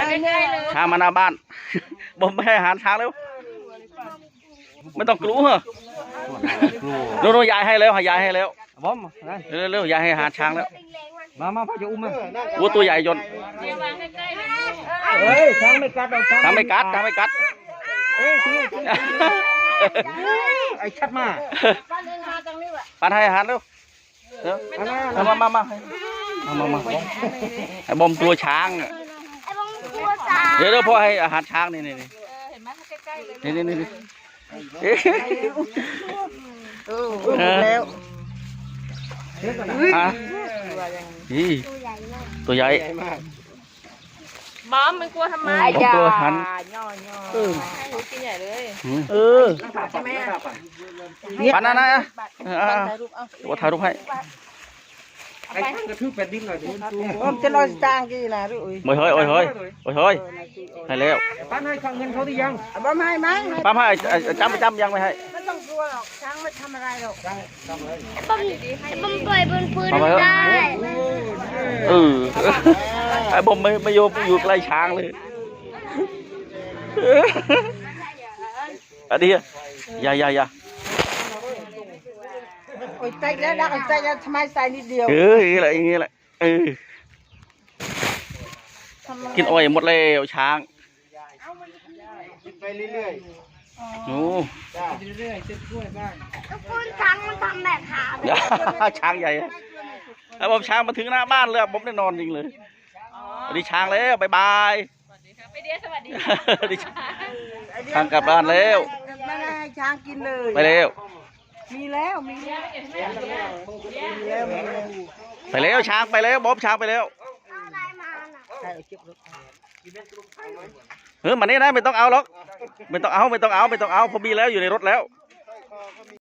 ช้างมาหน้าบ้านบอมไม่ให้อาหารช้างแล้วไม่ต้องกลัวโน่นยายให้แล้วยายให้แล้วบอมเร็วยายให้อาหารช้างแล้วมาพ่อจะอุ้มมาวัวตัวใหญ่จนเฮ้ยช้างไม่กัดหรอกช้างไม่กัดไอ้ชัดมาปันให้อาหารเร็วมาไอ้บอมกลัวช้างเดี๋ยวพ่อให้อาหารช้างนี่เห็นไหมใกล้ๆเลยนี่แล้วตัวใหญ่มอมมันกลัวทำไมกลัวหันกินใหญ่เลยใช่ไหมปันนะว่าถ่ายรูปให้ไอ้กระทืบแผ่นดินหน่อยผมจะลอยจางกี่นะด้วยโอ้ยให้แล้วป้าให้เงินเขาที่ยังป้าให้ไหมป้าให้จำยังไม่ให้ไม่ต้องกลัวหรอกช้างไม่ทำอะไรหรอกบอมปล่อยบนพื้นได้ไอ้บอมไม่อยู่ใกล้ช้างเลยอันนี้อย่าโอ้ยใจแล้วนะใจแล้วทำไมใส่นิดเดียวอย่างนี้แหละกินอ้อยหมดแล้วช้างกินไปเรื่อยโอ้เรื่อยๆจะช่วยบ้างคุณช้างมันทำแบบหาช้างใหญ่แล้วผมช้างมาถึงหน้าบ้านเลยผมได้นอนจริงเลยสวัสดีช้างแล้วบายไปเดียสวัสดีช้างกลับบ้านแล้วไม่ได้ให้ช้างกินเลยไปแล้วไปแล้วช้างไปแล้วบ๊อบช้างไปแล้วมันนี่นะไม่ต้องเอาหรอกไม่ต้องเอาผมมีแล้วอยู่ในรถแล้ว